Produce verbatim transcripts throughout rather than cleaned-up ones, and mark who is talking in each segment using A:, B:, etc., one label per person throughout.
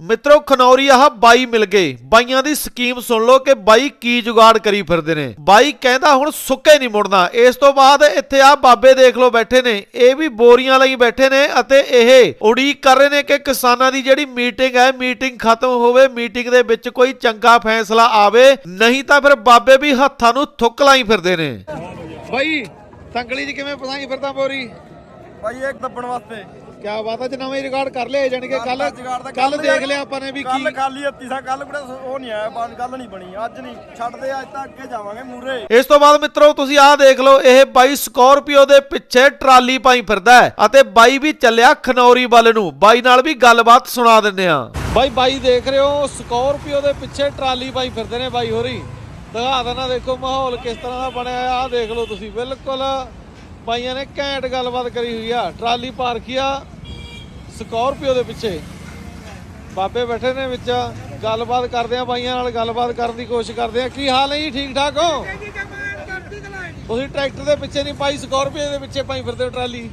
A: ਮਿੱਤਰੋ ਖਨੌਰੀ ਆਹ ਬਾਈ ਮਿਲ ਗਏ। ਬਾਈਆਂ ਦੀ ਸਕੀਮ ਸੁਣ ਲਓ ਕਿ ਬਾਈ ਕੀ ਜੁਗਾੜ ਕਰੀ ਫਿਰਦੇ ਨੇ। ਬਾਈ ਕਹਿੰਦਾ ਹੁਣ ਸੁੱਕੇ ਨਹੀਂ ਮੁੜਨਾ। ਇਸ ਤੋਂ ਬਾਅਦ ਇੱਥੇ ਆ ਬਾਬੇ ਦੇਖ ਲਓ ਬੈਠੇ ਨੇ, ਇਹ ਵੀ ਬੋਰੀਆਂ ਲਈ ਬੈਠੇ ਨੇ ਅਤੇ ਇਹ ਉਡੀਕ ਕਰ ਰਹੇ ਨੇ ਕਿ ਕਿਸਾਨਾਂ ਦੀ ਜਿਹੜੀ ਮੀਟਿੰਗ ਹੈ ਮੀਟਿੰਗ ਖਤਮ ਹੋਵੇ, ਮੀਟਿੰਗ ਦੇ ਵਿੱਚ ਕੋਈ ਚੰਗਾ ਫੈਸਲਾ ਆਵੇ, ਨਹੀਂ ਤਾਂ ਫਿਰ ਬਾਬੇ ਵੀ ਹੱਥਾਂ ਨੂੰ ਥੁੱਕ ਲਾਈ ਫਿਰਦੇ ਨੇ। ਬਾਈ ਤੰਗਲੀ ਚ ਕਿਵੇਂ ਪਸਾਈ ਫਿਰਦਾ ਬੋਰੀ?
B: ਭਾਈ ਇੱਕ ਦੱਬਣ ਵਾਸਤੇ
A: ਕਿਆ ਬਾਤ ਹੈ, ਨਵਾਂ ਰਿਕਾਰਡ ਕਰ ਲਿਆ ਜਾਨੀ ਕਿ ਕੱਲ ਕੱਲ ਦੇਖ ਲਿਆ ਆਪਾਂ ਨੇ ਵੀ ਕੀ
B: ਕੱਲ ਖਾਲੀ ਹੱਤੀ ਸਾ ਕੱਲ ਕਿਹੜਾ ਉਹ ਨਹੀਂ ਆਇਆ, ਬਾਅਦ ਗੱਲ ਨਹੀਂ ਬਣੀ, ਅੱਜ ਨਹੀਂ ਛੱਡਦੇ, ਅੱਜ ਤਾਂ ਅੱਗੇ ਜਾਵਾਂਗੇ ਮੂਰੇ।
A: ਇਸ ਤੋਂ ਬਾਅਦ ਮਿੱਤਰੋ ਤੁਸੀਂ ਆਹ ਦੇਖ ਲਓ, ਇਹ ਬਾਈ ਸਕੋਰਪੀਓ ਦੇ ਪਿੱਛੇ ਟਰਾਲੀ ਪਾਈ ਫਿਰਦਾ ਹੈ ਅਤੇ ਬਾਈ ਵੀ ਚੱਲਿਆ ਖਨੌਰੀ ਵੱਲ ਨੂੰ। ਬਾਈ ਨਾਲ ਵੀ ਗੱਲਬਾਤ ਸੁਣਾ ਦਿੰਦੇ ਆ। ਬਾਈ ਬਾਈ ਦੇਖ ਰਹੇ ਹੋ ਸਕੋਰਪੀਓ ਦੇ ਪਿੱਛੇ ਟਰਾਲੀ ਪਾਈ ਫਿਰਦੇ ਨੇ ਬਾਈ ਹੋਰੀ। ਦਿਖਾ ਦੇਣਾ, ਦੇਖੋ ਮਾਹੌਲ ਕਿਸ ਤਰ੍ਹਾਂ ਦਾ ਬਣਿਆ ਆ, ਦੇਖ ਲਓ ਤੁਸੀਂ। ਬਿਲਕੁਲ ਬਾਈਆਂ ਨੇ ਘੈਂਟ ਗੱਲਬਾਤ ਕਰੀ ਹੋਈ ਆ। ਟਰਾਲੀ ਪਾਰਕੀ ਆ ਸਕੋਰਪੀਓ ਦੇ ਪਿੱਛੇ, ਬਾਬੇ ਬੈਠੇ ਨੇ ਵਿੱਚ। ਗੱਲਬਾਤ ਕਰਦੇ ਆ ਬਾਈਆਂ ਨਾਲ, ਗੱਲਬਾਤ ਕਰਨ ਦੀ ਕੋਸ਼ਿਸ਼ ਕਰਦੇ ਆ। ਕੀ ਹਾਲ ਹੈ ਜੀ, ਠੀਕ ਠਾਕ ਹੋ? ਤੁਸੀਂ ਟਰੈਕਟਰ ਦੇ ਪਿੱਛੇ ਨਹੀਂ ਪਾਈ, ਸਕੋਰਪੀਓ ਦੇ ਪਿੱਛੇ ਪਾਈ ਫਿਰਦੇ ਹੋ ਟਰਾਲੀ।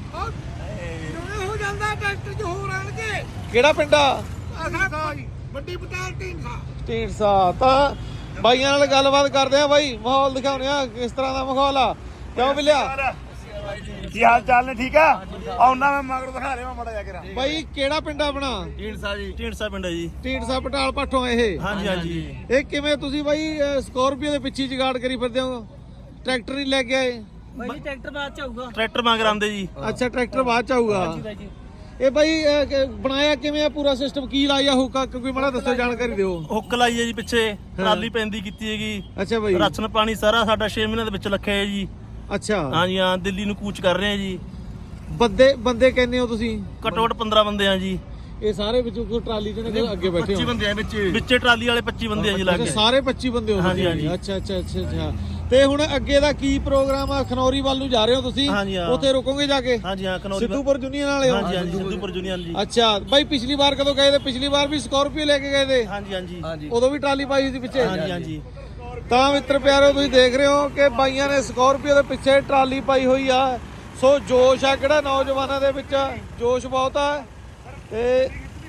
C: ਹੋ ਜਾਂਦਾ ਟਰੈਕਟਰ ਚ ਹੋਰ ਆਣਗੇ।
A: ਕਿਹੜਾ ਪਿੰਡ ਆ?
C: ਵੱਡੀ ਪਟਾਲ ਢੀਂਡਸਾ।
A: ਢੀਂਡਸਾ। ਤਾਂ ਬਾਈਆਂ ਨਾਲ ਗੱਲਬਾਤ ਕਰਦੇ ਆ ਬਾਈ, ਮਾਹੌਲ ਦਿਖਾਉਂਦੇ ਆ ਕਿਸ ਤਰ੍ਹਾਂ ਦਾ ਮਾਹੌਲ ਆ। ਕਿਉਂ ਬਿਲਿਆ,
B: ਕੀ ਹਾਲ ਚਾਲ ਨੇ? ਠੀਕ ਆ, ਆਉਣਾ ਮੈਂ ਮਗਰ ਦਿਖਾ ਰਿਹਾ ਮੜਾ ਜਾ ਕੇ।
A: ਬਾਈ ਕਿਹੜਾ ਪਿੰਡ ਆਪਣਾ?
B: ਢੀਂਡਸਾ ਜੀ, ਢੀਂਡਸਾ ਪਿੰਡ ਹੈ ਜੀ।
A: ਢੀਂਡਸਾ ਪਟਾਲ ਪਾਠੋਂ ਇਹ?
B: ਹਾਂਜੀ ਹਾਂਜੀ।
A: ਇਹ ਕਿਵੇਂ ਤੁਸੀਂ ਬਾਈ ਸਕੋਰਪੀਓ ਦੇ ਪਿੱਛੇ ਜਗਾੜ ਕਰੀ ਫਿਰਦੇ ਹੋ? ਟਰੈਕਟਰ ਨਹੀਂ ਲੈ ਕੇ ਆਏ?
C: ਬਾਈ ਟਰੈਕਟਰ ਬਾਅਦ ਚ ਆਊਗਾ।
B: ਟਰੈਕਟਰ ਮਗਰ ਆਉਂਦੇ ਜੀ।
A: ਅੱਛਾ, ਟਰੈਕਟਰ ਬਾਅਦ ਚ ਆਊਗਾ। ਇਹ ਬਾਈ ਅਹ, ਕ- ਬਣਾਇਆ ਕਿਵੇਂ ਆ ਪੂਰਾ ਸਿਸਟਮ? ਕੀ ਲਾਇਆ ਹੁੱਕਾ? ਕੋਈ ਮਾੜਾ ਦੱਸੋ, ਜਾਣਕਾਰੀ ਦਿਓ।
B: ਹੁੱਕ ਲਾਈ ਹੈ ਜੀ ਪਿੱਛੇ, ਟਰਾਲੀ ਪੈਂਦੀ ਕੀਤੀ ਹੈਗੀ।
A: ਅੱਛਾ ਬਾਈ।
B: ਰਾਸ਼ਨ ਪਾਣੀ ਸਾਰਾ ਸਾਡਾ ਛੇ ਮਹੀਨਿਆਂ ਦੇ ਵਿੱਚ ਲੱਖਿਆ ਹੈ ਜੀ।
A: ਅੱਛਾ,
B: ਹਾਂਜੀ ਹਾਂ, ਦਿੱਲੀ ਨੂੰ ਕੂਚ ਕਰ ਰਹੇ ਆ ਜੀ।
A: ਬੰਦੇ ਬੰਦੇ ਕਹਿੰਦੇ ਹੋ ਤੁਸੀਂ?
B: ਘੱਟੋ ਘੱਟ ਪੰਦਰਾਂ ਬੰਦੇ ਆ ਜੀ।
A: ਇਹ ਸਾਰੇ ਵਿੱਚੋਂ ਕੋਈ ਟਰਾਲੀ ਚ ਨੇ ਅੱਗੇ ਬੈਠੇ
B: ਪੱਚੀ
A: ਹੋ?
B: ਬੰਦੇ ਆ ਵਿੱਚ, ਵਿੱਚੇ ਟਰਾਲੀ ਵਾਲੇ ਪੱਚੀ ਬੰਦੇ ਆ ਜੀ ਲੱਗ
A: ਅੱਛਾ,
B: ਗਏ।
A: ਸਾਰੇ ਪੱਚੀ ਬੰਦੇ ਹੋ
B: ਹਾਂਜੀ,
A: ਤੁਸੀਂ?
B: ਹਾਂਜੀ।
A: ਅੱਛਾ ਅੱਛਾ ਅੱਛਾ ਅੱਛਾ। ਤੇ ਹੁਣ ਅੱਗੇ ਦਾ ਕੀ ਪ੍ਰੋਗਰਾਮ ਆ? ਖਨੌਰੀ ਵੱਲ ਨੂੰ ਜਾ ਰਹੇ ਹੋ ਤੁਸੀਂ?
B: ਹਾਂਜੀ, ਹਾਂ।
A: ਉੱਥੇ ਰੁਕੋਗੇ ਜਾ ਕੇ?
B: ਹਾਂਜੀ ਹਾਂ, ਕਨੌਰੀ।
A: ਸਿੱਧੂਪੁਰ ਯੂਨੀਅਨ ਵਾਲੇ ਹੋ?
B: ਹਾਂਜੀ ਹਾਂਜੀ, ਸਿੱਧੂਪੁਰ ਯੂਨੀਅਨ ਜੀ।
A: ਅੱਛਾ ਬਾਈ, ਪਿਛਲੀ ਵਾਰ ਕਦੋਂ ਗਏ ਤੇ? ਪਿਛਲੀ ਵਾਰ ਵੀ ਸਕੋਰਪੀਓ ਲੈ ਕੇ ਗਏ ਤੇ?
B: ਹਾਂਜੀ ਹਾਂਜੀ
A: ਉਦੋਂ ਵੀ ਟਰਾਲੀ ਪਾਈ ਸੀ ਪਿੱਛੇ?
B: ਹਾਂਜੀ ਹਾਂਜੀ।
A: ਤਾਂ ਮਿੱਤਰ ਪਿਆਰੋ ਤੁਸੀਂ ਦੇਖ ਰਹੇ ਹੋ ਕਿ ਬਾਈਆਂ ਨੇ ਸਕੋਰਪੀਓ ਦੇ ਪਿੱਛੇ ਟਰਾਲੀ ਪਾਈ ਹੋਈ ਆ। ਸੋ ਜੋਸ਼ ਆ ਕਿਹੜਾ ਨੌਜਵਾਨਾਂ ਦੇ ਵਿੱਚ, ਜੋਸ਼ ਬਹੁਤ ਆ। ਤੇ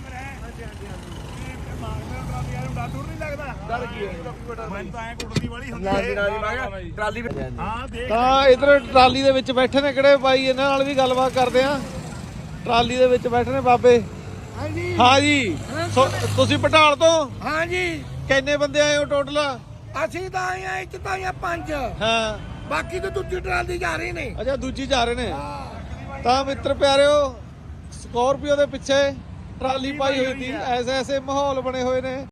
A: ਤਾਂ ਇਧਰ ਟਰਾਲੀ ਦੇ ਵਿੱਚ ਬੈਠੇ ਨੇ ਕਿਹੜੇ ਬਾਈ, ਇਹਨਾਂ ਨਾਲ ਵੀ ਗੱਲਬਾਤ ਕਰਦੇ ਆ। ਟਰਾਲੀ ਦੇ ਵਿੱਚ ਬੈਠੇ ਨੇ ਬਾਬੇ।
C: ਹਾਂਜੀ
A: ਹਾਂ ਜੀ। ਸੋ ਤੁਸੀਂ ਪਟਾਲ ਤੋਂ?
C: ਹਾਂਜੀ।
A: ਕਿੰਨੇ ਬੰਦੇ ਆਏ ਹੋ ਟੋਟਲ?
C: ਅਸੀਂ ਤਾਂ ਆਏ ਆ, ਇੱਕ ਤਾਂ ਆਏ ਆ ਪੰਜ,
A: ਹਾਂ।
C: ਬਾਕੀ ਤਾਂ ਦੂਜੀ ਟਰਾਲੀ ਜਾ ਰਹੀ ਨੇ।
A: ਅੱਛਾ, ਦੂਜੀ ਜਾ ਰਹੇ ਨੇ। ਤਾਂ ਮਿੱਤਰ ਪਿਆਰਿਓ ਸਕੋਰਪੀਓ ਦੇ ਪਿੱਛੇ ਟਰਾਲੀ ਪਾਈ ਹੋਈ ਸੀ। ਐਸੇ ਐਸੇ ਮਾਹੌਲ ਬਣੇ ਹੋਏ ਨੇ।